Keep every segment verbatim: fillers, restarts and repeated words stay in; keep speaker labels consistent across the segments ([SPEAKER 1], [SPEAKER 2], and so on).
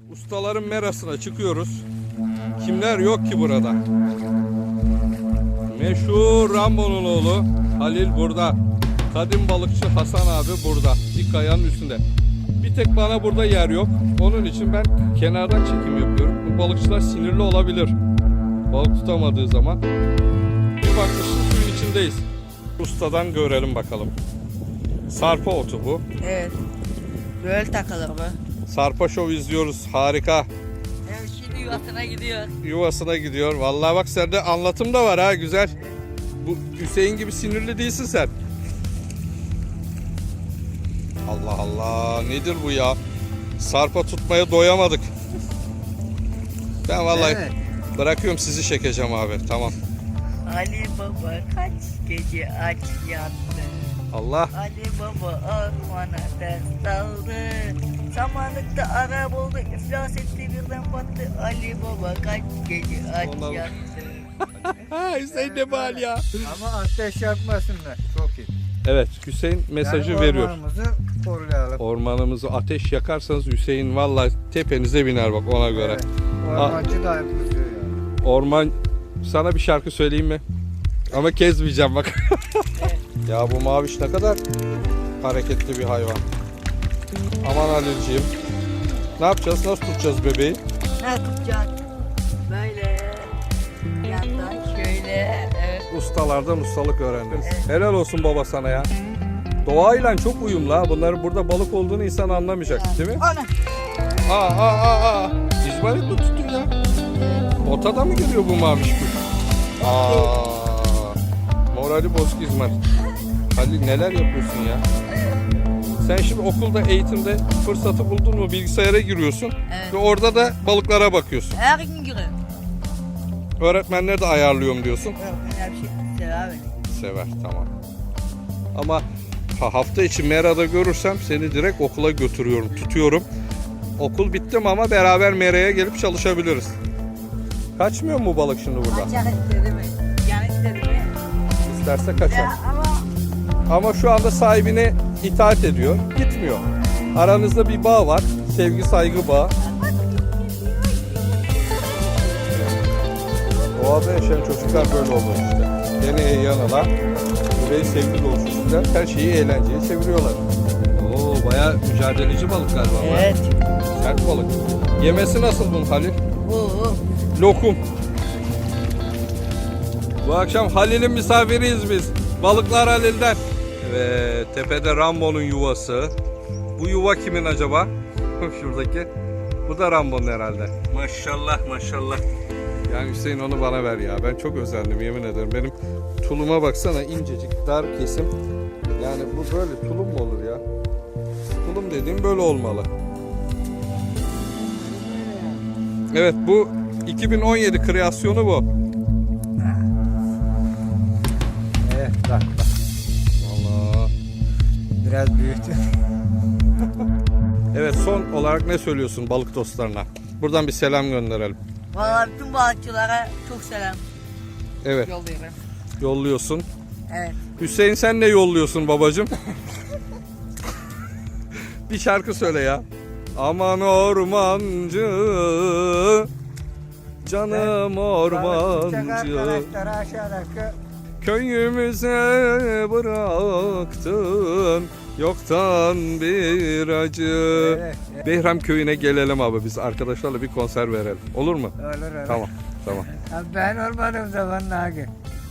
[SPEAKER 1] Ustaların merasına çıkıyoruz. Kimler yok ki burada? Meşhur Rambo'nun oğlu Halil burada. Kadim balıkçı Hasan abi burada. Bir kayanın üstünde. Bir tek bana burada yer yok. Onun için ben kenardan çekim yapıyorum. Bu balıkçılar sinirli olabilir. Balık tutamadığı zaman. Bir bakmışsın suyun içindeyiz. Ustadan görelim bakalım. Sarpa otu bu.
[SPEAKER 2] Evet. Böyle takılır bu.
[SPEAKER 1] Sarpa Show izliyoruz. Harika.
[SPEAKER 2] Evet, şimdi yuvasına gidiyor.
[SPEAKER 1] Yuvasına gidiyor. Vallahi bak sende anlatım da var ha, güzel. Bu Hüseyin gibi sinirli değilsin sen. Allah Allah, nedir bu ya? Sarpa tutmaya doyamadık. Ben vallahi
[SPEAKER 3] Evet.
[SPEAKER 1] bırakıyorum, sizi çekeceğim abi. Tamam.
[SPEAKER 2] Ali Baba kaç gece aç yattı.
[SPEAKER 1] Allah.
[SPEAKER 2] Ali Baba ormana ders daldı. Samanlıkta ara buldu, iflas etti birden battı. Ali Baba kaç gece aç
[SPEAKER 1] Onlar-
[SPEAKER 2] yattı.
[SPEAKER 1] Hüseyin ne bal ya.
[SPEAKER 3] Ama ateş yakmasınlar. Çok iyi.
[SPEAKER 1] Evet, Hüseyin mesajı
[SPEAKER 3] yani
[SPEAKER 1] veriyor.
[SPEAKER 3] ormanımızı koruyalım.
[SPEAKER 1] Ormanımızı ateş yakarsanız Hüseyin vallahi tepenize biner bak, ona göre.
[SPEAKER 3] Evet. Ormancı da kızıyor yani.
[SPEAKER 1] Orman, sana bir şarkı söyleyeyim mi? Ama kezmeyeceğim bak. Ya bu maviş ne kadar hareketli bir hayvan. Aman Halilciğim. Ne yapacağız? Nasıl tutacağız bebeği?
[SPEAKER 2] Ne tutacak? Böyle yandan şöyle. Evet.
[SPEAKER 1] Ustalardan ustalık öğrendiniz. Helal olsun baba sana ya. Doğayla çok uyumlu ha. Bunların burada balık olduğunu insan anlamayacak değil mi?
[SPEAKER 2] Ana.
[SPEAKER 1] Aa aa aa aa. İzmarit mi tuttun ya? Otada mı geliyor bu maviş kuş? Aa. Morali bozuk İzmarit. Halil neler yapıyorsun ya? Sen şimdi okulda, eğitimde fırsatı buldun mu bilgisayara giriyorsun.
[SPEAKER 2] Evet.
[SPEAKER 1] Ve orada da balıklara bakıyorsun.
[SPEAKER 2] Her gün giriyor.
[SPEAKER 1] Öğretmenler de ayarlıyorum diyorsun.
[SPEAKER 2] Öğretmenler bir şey sever beni.
[SPEAKER 1] Sever, tamam. Ama ha- hafta içi Mera'da görürsem seni direkt okula götürüyorum, tutuyorum. Okul bitti mi ama beraber Mera'ya gelip çalışabiliriz. Kaçmıyor mu bu balık şimdi burada?
[SPEAKER 2] Kaçak istedi mi? Yani istedi mi?
[SPEAKER 1] İsterse kaçar.
[SPEAKER 2] Ya ama
[SPEAKER 1] Ama şu anda sahibine itaat ediyor, gitmiyor. Aranızda bir bağ var, sevgi saygı bağı. Doğada yaşayan çocuklar böyle olur işte. Deneye yanıla, burayı sevgi dolu çocuklar her şeyi eğlenceye çeviriyorlar. Oo, bayağı mücadeleci balık galiba.
[SPEAKER 2] evet.
[SPEAKER 1] Sert balık. Yemesi nasıl bunun Halil?
[SPEAKER 2] Bu.
[SPEAKER 1] Lokum. Bu akşam Halil'in misafiriyiz biz. Balıklar Halil'den. Evet, tepede Rambo'nun yuvası. Bu yuva kimin acaba? Şuradaki. Bu da Rambo'nun herhalde. Maşallah maşallah. Yani Hüseyin onu bana ver ya. Ben çok özendim yemin ederim. Benim tuluma baksana, incecik, dar kesim. Yani bu böyle tulum mu olur ya? Tulum dediğim böyle olmalı. Evet, bu iki bin on yedi kreasyonu bu.
[SPEAKER 3] Evet bak bak.
[SPEAKER 1] Allah.
[SPEAKER 3] Biraz büyüktü.
[SPEAKER 1] Evet, son olarak ne söylüyorsun balık dostlarına? Buradan bir selam gönderelim.
[SPEAKER 2] Valla bütün balıkçılara çok selam
[SPEAKER 1] Evet,
[SPEAKER 2] yolluyorum.
[SPEAKER 1] yolluyorsun.
[SPEAKER 2] Evet.
[SPEAKER 1] Hüseyin sen ne yolluyorsun babacığım? Bir şarkı söyle ya. Aman ormancı, canım ormancı,
[SPEAKER 3] Arkadaşlar aşağıdaki
[SPEAKER 1] köyümüze bıraktın yoktan bir acı.
[SPEAKER 3] Evet, evet.
[SPEAKER 1] Behram köyüne gelelim abi, biz arkadaşlarla bir konser verelim. Olur mu?
[SPEAKER 3] Olur olur.
[SPEAKER 1] Tamam, tamam.
[SPEAKER 3] Abi ben olmadığım zaman Nagi.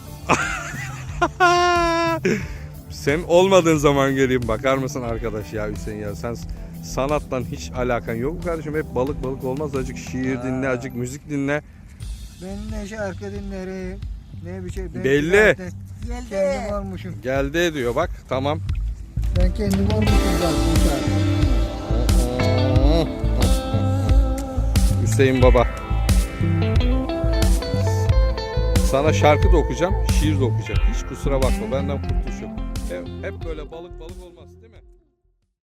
[SPEAKER 1] Sen olmadığın zaman geleyim, bakar mısın arkadaş ya Hüseyin ya, sen sanatla hiç alakan yok mu kardeşim? Hep balık balık olmaz, azıcık şiir dinle, azıcık müzik dinle.
[SPEAKER 3] Ben ne şarkı dinlerim, ne bir şey. Ben
[SPEAKER 1] Belli.
[SPEAKER 3] zaten
[SPEAKER 2] Geldi.
[SPEAKER 3] Kendim olmuşum.
[SPEAKER 1] Geldi diyor bak, tamam.
[SPEAKER 3] Ben kendim olmuşum zaten.
[SPEAKER 1] Hüseyin baba, sana şarkı da okuyacağım, şiir de okuyacağım. Hiç kusura bakma, benden kurtuluş yok. Hep, hep böyle balık balık olmaz.